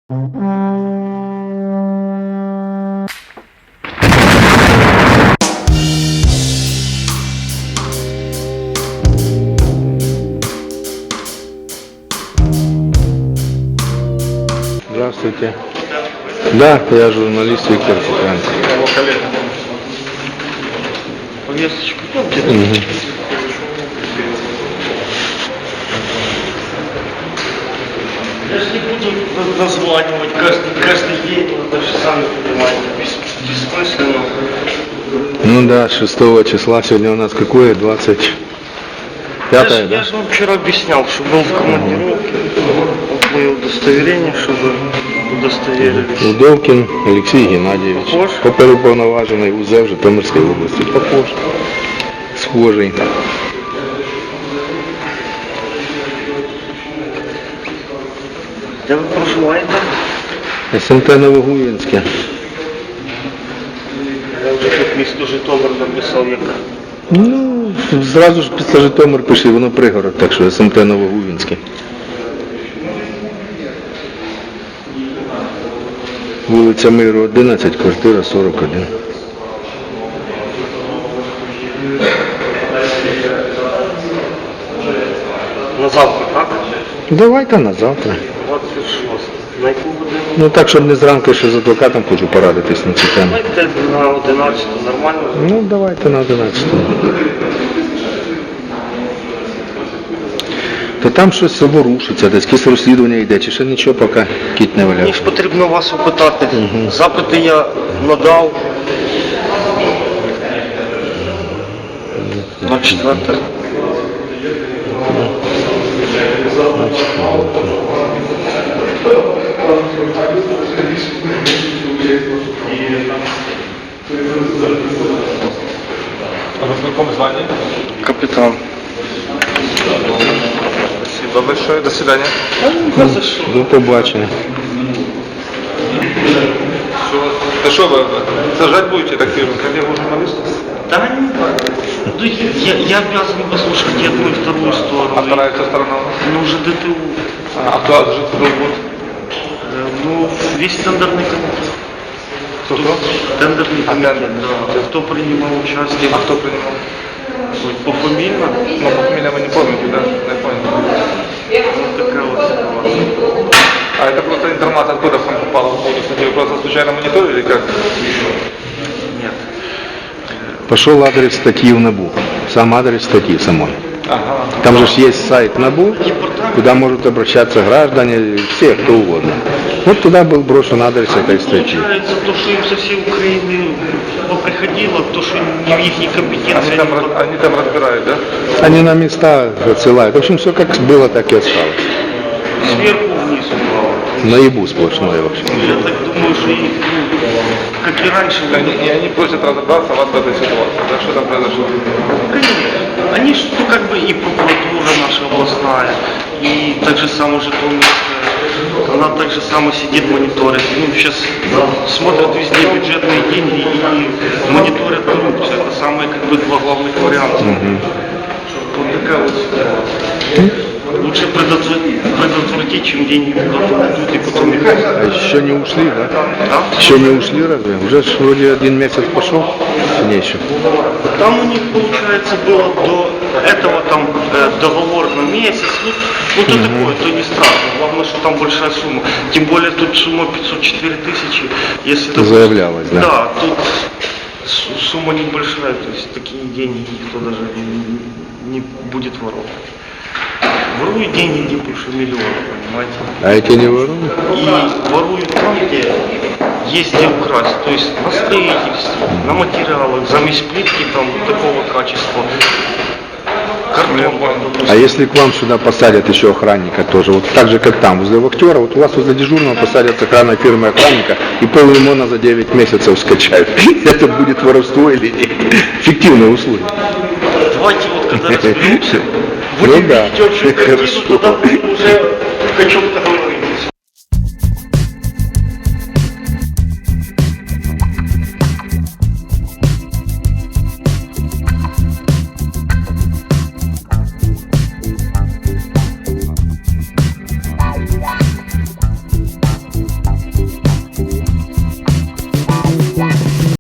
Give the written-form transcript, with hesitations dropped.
Здравствуйте. Да, я журналист Виктор Тиханов. Повесточку помните? Я же не буду названивать каждый день, вы даже сами понимаете, бессмысленно. Ну да, 6 числа, сегодня у нас какое? 25-е, да? Я же вам вчера объяснял, что был в командировке, вот мое удостоверение, чтобы удостоверились. Удовкин Алексей Геннадьевич. Похож? Оперуповноважений УЗ в Житомирській області. Похож. Схожий. Де ви проживаєте? СМТ Новогуїнське. Я вже тут місто Житомир написав, як. Ну, зразу ж після Житомир пиши, воно пригород, так що СМТ Новогуїнське. Вулиця Миру 11, квартира 41. На завтра, так? Давайте на завтра. 26. На яку годину? Ну так, щоб не зранку ще з адвокатом хочу порадитись на цю тему. Давайте на 11, нормально? Ну, давайте на 11. То там щось ворушиться, десь якесь розслідування йде, чи ще нічого поки кіт не Мені валяв. ж потрібно вас опитати. Запити я надав. На 4. А вы в каком звании? Капітан. Спасибо большое. До свидания. До побачення. Да что вы сажать будете такие коллегу журналистов? Да, ну, я обязан послушать и одну, и вторую сторону. А вторая сторона? Ну, уже ДТУ. А кто же кто будет? Ну, весь тендерный комитет. Кто? Тендерный комитет, тендер. да. Кто принимал участие? А кто принимал? Пофамильно? Ну, по фамилии вы не помните, да? Не понял. Вот такая вот ситуация. А это просто информация откуда вам попала в поводу статьи? Вы просто случайно мониторили как? Нет. Пошел адрес статьи в НАБУ. Сам адрес статьи самой. Ага. Там же есть сайт НАБУ, куда могут обращаться граждане, все, кто угодно. Вот туда был брошен адрес этой статьи. Получается, то, что им со всей Украины приходило, то, что не в их компетенции. Они там разбирают, да? Они на места отсылают. В общем, все как было, так и осталось. Сверху вниз упало. Наебу сплошное вообще. Я так думаю, что и, как и раньше. И они просят разобраться вас в этой ситуации. Да, что там произошло? Конечно. Они же, ну, как бы и прокуратура наша областная, и так же само Житомирская, она так же само сидит, мониторит. Ну, сейчас смотрят везде бюджетные деньги и мониторят коррупцию. Это самые, как бы, два главных варианта. Вот такая вот ситуация. Лучше предотвратить, чем деньги куда-то уйдут и потом их... А еще не ушли, да? Да? Еще не ушли разве? Уже ж вроде 1 месяц пошел, не еще. Там у них, получается, было до этого там договор на месяц. Ну то такое, то не страшно. Главное, что там большая сумма. Тем более тут сумма 504 тысячи. Если Это заявлялось, да? Да, тут сумма небольшая, то есть такие деньги никто даже не будет воровать. Воруют деньги не больше миллиона, понимаете? А эти не воруют? И воруют там, где есть где украсть, то есть на строительстве, на материалах, замесь плитки там такого качества, картон. А если к вам сюда посадят еще охранника тоже, вот так же, как там, возле вахтера, вот у вас возле дежурного посадят с охранной фирмы охранника и поллимона за 9 месяцев скачают. Это будет воровство или нет? Фиктивные услуги. Давайте вот когда разберемся, Ну будем да, видеть общую картину, хорошо. тогда будем уже о чем-то говорить.